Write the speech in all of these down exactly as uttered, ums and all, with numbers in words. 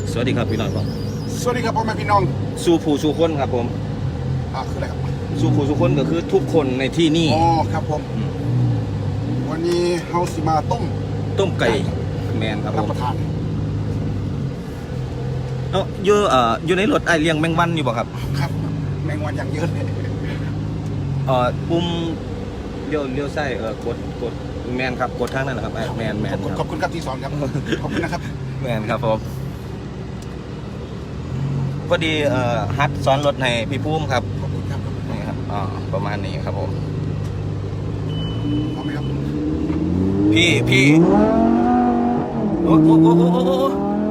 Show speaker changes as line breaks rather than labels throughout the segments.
สวัสดีครับพี่น้องครับ
สวัสดีครับพ่อแม่พี่น้อง
สู่ผู้สู่คนครับผม
อ่าคืออะไรครับ
สู่ผู้สู่คนก็คือทุกคนในที่นี่
อ๋อครับผมวันนี้เฮาสิมาต้ม
ต้มไก่แมนครับผ
รับ
ม
ประทาน
เอ้าอยู่เอ่ออยู่ในรถไอเลี้ยงแมงวันอยู่บ่ครับ
ครับแมงวันอย่างเยอะเลย
เอ่อปุ่มเลี้ยวเลี้ยวซ้ายเอ่อกดกดแมนครับกดทางนั้นนะครับแมนแมน
ขอบคุณครับที่สอนครับขอบคุณนะครับ
แมนครับผมพอดีเอ่อฮัดซ้อนรถให้พี่ภูมิครับ
ขอบคุณครับ
นี่ครับอ๋อประมาณนี้ครับผม
พร้อมไหมครับ
พี่พี่โอ้โหโอ้โหโอ้โห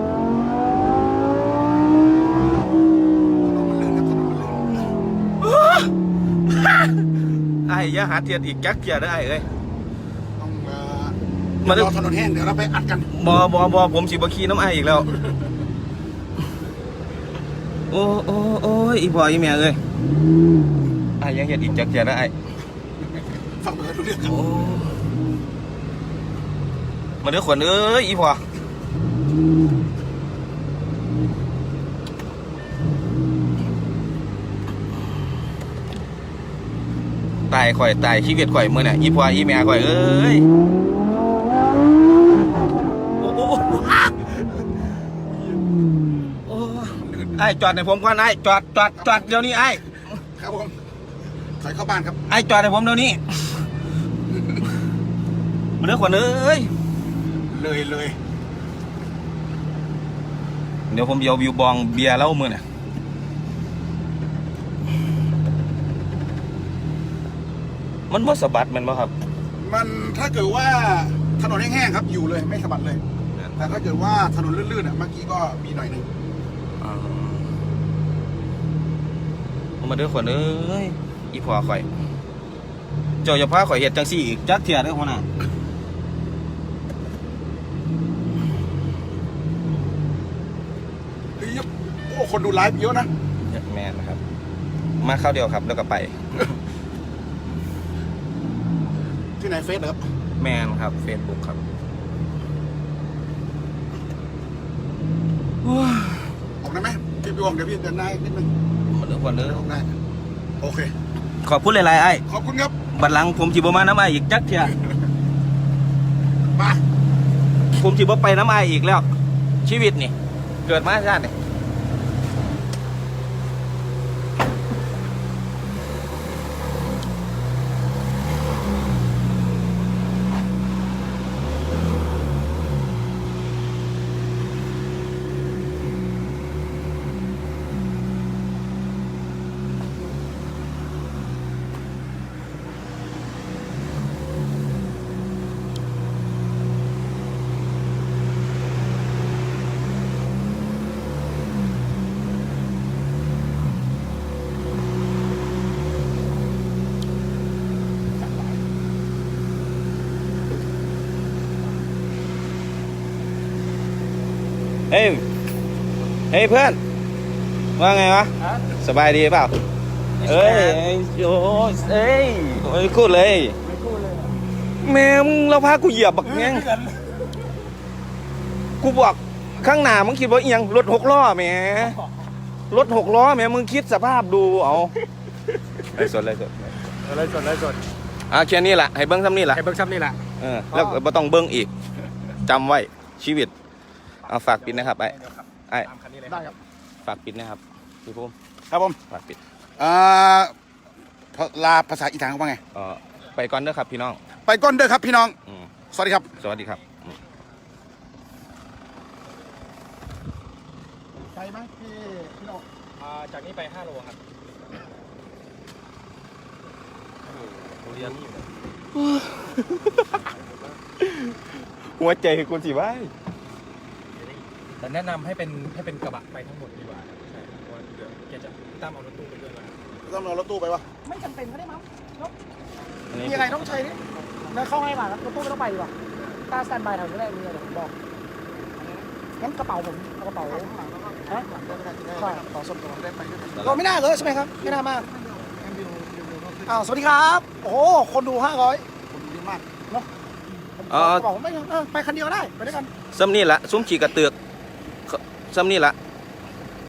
ไอ้ยาหาเทียนอีกจักเทียได้เอ้ย
ต้องมารอถนนแห้งเดี๋ยวเราไปอัดกัน
บอบอบอผมสิบขี่น้ำไออีกแล้วโอ้โอ้โอ้ยอีพ่ออีแม่เอ้ยไอ้ยังเห็นอีกจักเทียได้
ฟังเบอร์ดูเรื่องครับ
มาเด้อขวัญเอ้ยอีพ่อตายข่อยตายชีวิตข่อยมือน่ะอีพ่ออีแม่ข่อยเอ้ยโอ้โหโอ้ไอ้จอดในผมก่อนไอ้จอดจอดจอดเดี๋ยวนี้ไอ้
ครับผมถอยเข้าบ้านครับ
ไอ้จอดในผมเดี๋ยวนี้มาเด้อขวัญเอ้ย
เลยเลย
เดี๋ยวผมเยาวิวบองเบียร์แล้วมือน่ะมันว่าสะบัดมันป่ะครับ
มันถ้าเกิดว่าถนนแห้งๆครับอยู่เลยไม่สะบัดเลยแต่ถ้าเกิดว่าถนนลื่นๆอ่ะเมื่อกี้ก็มีหน่อยหนึ่ง
มาเด้อขวัญเอ้ยอีพ่อข่อยเจ้าอย่าพาข่อยเห็ดจังสี่อีกจักเทียเด้อหัวหน้า
โอ้คนดูไลฟ์เยอะนะ
แมนนะครับมาเข้าเดียวครับแล้วก็ไป
ที่ไหนเฟซเหรอครับ
แมนครับเฟซบุ๊กครับ
ออกได้ไหมพี่พี่วงเดี๋ยวพี่เดินหน้านิดนึง
มาเด้อขวัญเด้อ
ได้โอเค
ขอบคุณหลายๆไอ้
ขอบคุณครับ
บัดหลังผมจีบมาน้ำไออีกจักเทีย
มา
ผมจีบไปน้ำไออีกแล้วชีวิตนี่เกิดมาชาตินี่เฮ้ยเฮ้ยเพื่อนว่าไงวะสบายดีเปล่าเอ้ยโอ้เอ้ยไม่พูดเลยแม่มึงเราพากูเหยียบบักเงี้ยกูบอกข้างหน้ามึงคิดว่าเอียงรถหกล้อแม่รถหกล้อแม่มึงคิดสภาพดูเอาไล่สดไล่สด
ไล่สดไล่สด
อ่ะแค่นี้แหละให้เบิ้งซ้ำนี่แหละ
ให้เบิ้งซ้ำนี่แหละ
เออแล้วไม่ต้องเบิ้งอีกจำไว้ชีวิตเอาฝากปิดนะครับไอ้ไอ้
ได้ครับ
ฝากปิดนะครับพี่ภูมิ
ครับผม
ฝากปิด
อ่าลาภาษาอีสานเขาว่าไง
เออไปก่อนเด้อครับพี่น้อง
ไปก่อนเด้อครับพี่น้องสวัสดีครับ
สวัสดีครับ
ไปไหมพี่พี่น้อง
จากนี้ไปห้าโลครับเรียน
หัวใจคือคนสิว้า
แต่แนะนำให้เป็นให้เป็นกระบะไปทั้งหมดดีกว่าใช่เพราะว่าเดี๋ยวแกจะตั้มเอารถตู้ไปด้วยมา
ต้องเอารถตู้ไปวะ
ไม่จำเป็นก็ได้มั้งมีอะไรต้องใช้นี่แล้วเข้าให้มาแล้วรถตู้ไม่ต้องไปดีกว่าตาสแตนบายแถวนี้ได้มีอะไรผมบอกงั้นกระเป๋าผมเอากระเป๋าฮะใช่กระเป๋าส่วนตัวได้ไปเราไม่น่าเลยใช่ไหมครับไม่น่ามากอ้าวสวัสดีครับโอ้คนดูห้าร้อยคนดูเยอะมากเนาะบอกไม่ไปคันเดียวได้ไปด้วยกัน
ซ้ำนี่แหละซุ้มฉีกกระเตือกซ้ำนี่ละ